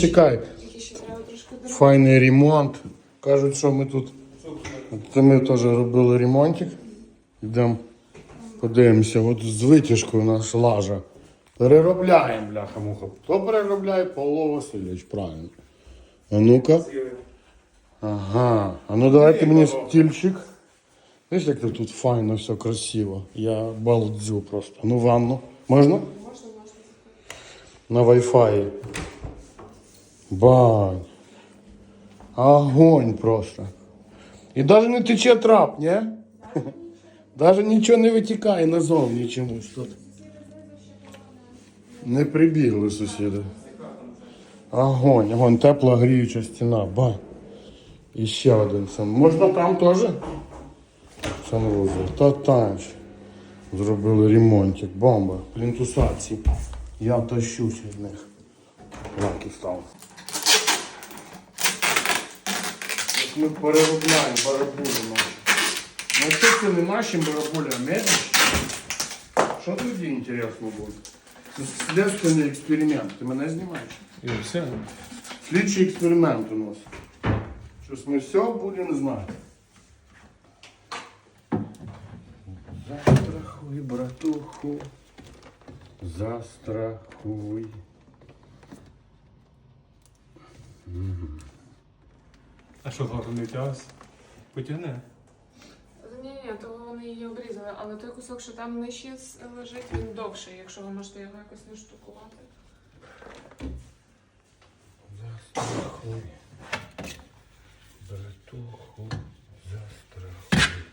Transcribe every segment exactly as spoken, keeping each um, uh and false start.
Чекай. Файний ремонт. Кажуть, що ми тут. Це ми теж робили ремонтик. Йдемо, подивимося. От з витяжкою наш лажа. Переробляємо, бляха-муха. Хто переробляє? Павло Васильович, правильно. А ну-ка. Ага. А ну давайте мені стільчик. Видиш, як тут файно, все красиво. Я балдзю просто. Ну ванну. Можна? Можна, можна. На Wi-Fi. Бань. Огонь просто. І навіть не тече трап, ні? Навіть нічого не витікає назовні чомусь тут. Не прибігли сусіди. Огонь, огонь, тепла гріюча стіна. Бань. І ще один сан. Можна там теж? Санвузол. Та танч. Зробили ремонтик. Бомба. Плінтусаці. Я тащусь від них. Лаки став. Ось ми переробляємо барабулі наші. Ну що це не наші барабулі, а медичні? Що тоді інтересно буде? Це слідственний експеримент. Ти мене знімаєш? І все. Слідчий експеримент у нас. Щось ми все будемо знати. Застрахуй, братуху. Застрахуй. А що згодом не втягався? Потягне. Ні-ні, то вони її обрізали, але той кусок, що там нижче лежить, він довший, якщо ви можете його якось не штукувати. Застрахуй. Братуху, застрахуй.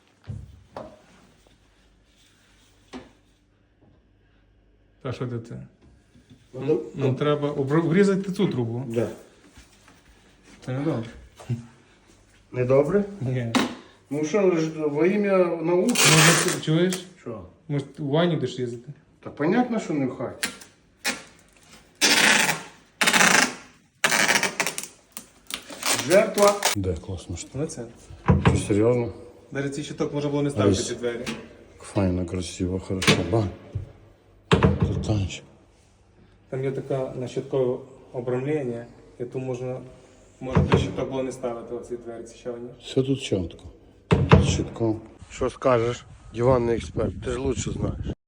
Та що ти це? Ну, Ну треба обр- обрізати цю трубу. Да. Це не добре. Недобре? Ні. Ну що ж, во ім'я науки? Може, ти чуєш? Що? Може, у ванні будеш їздити? Та понятно, що не в хаті. Жертва. Де класно що? Ну це. Що, серйозно? Навіть цей щиток можна було не ставити Ось. ці двері. Файно, красиво, хорошо. Ба. Тут танч. Там є таке на щиткове обрамлення, і тут можна, можна той щиток було не ставити оці двері, ці ще одні. Все тут чітко. Чітко. Що скажеш, диванний експерт, ти ж лучше знаєш.